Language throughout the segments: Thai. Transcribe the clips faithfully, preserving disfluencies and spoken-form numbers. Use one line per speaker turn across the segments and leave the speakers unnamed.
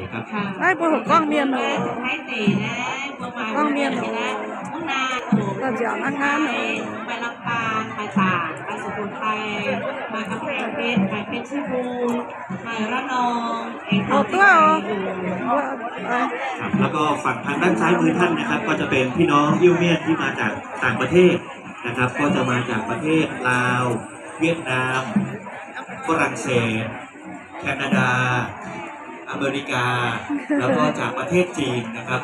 นะครับ
ไอ้พวกกล้องเมียนหนูกล้องเมียนหนูก็จะนั่งงานหนู
ไปลำปางไปตากไปสุโขทัยมากำแพงเพชรไปเพชรบูรณ์ไประนองเอง
เอาตัวเอา
ครับแล้วก็ฝั่งทางด้านซ้ายมือท่านนะครับก็จะเป็นพี่น้องยิวเมียนที่มาจากต่างประเทศนะครับก็จะมาจากประเทศลาวเวียดนามฝรั่งเศสแคนาดาอเมริกาแล้วก็จากประเทศจีนนะครับ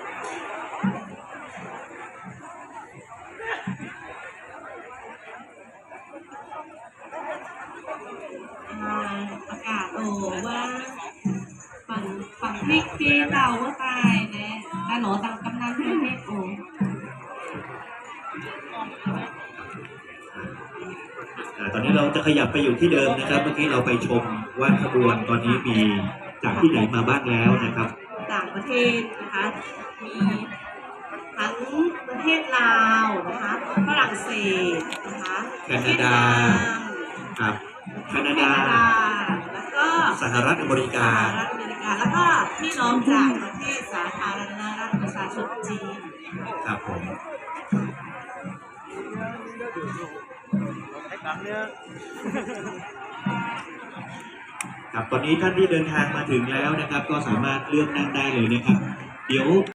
อากาศโอ้ว่าฝั่งฝั่งพริกที่เราว่าตายเนี่ยแต่หนูตังกำนันที่พริกโอ้
ตอนนี้เราจะขยับไปอยู่ที่เดิมนะครับเมื่อกี้เราไปชมว่าขบวนตอนนี้มีจากที่ไหนมาบ้างแล้วนะครับ
ต่างประเทศนะคะมีทั้งประเทศลาวนะคะฝรั่งเศสนะคะ
แคนาดาครับแคนาดา
แล้วก็
สหรัฐอเมริกา
สหรัฐอเมริกาแล้วก็พี่น้องจากประเทศสาธารณรัฐประชาชนจีน
ครับผมครับตอนนี้ท่านที่เดินทางมาถึงแล้วนะครับก็สามารถเลือกนั่งได้เลยนะครับเดี๋ยว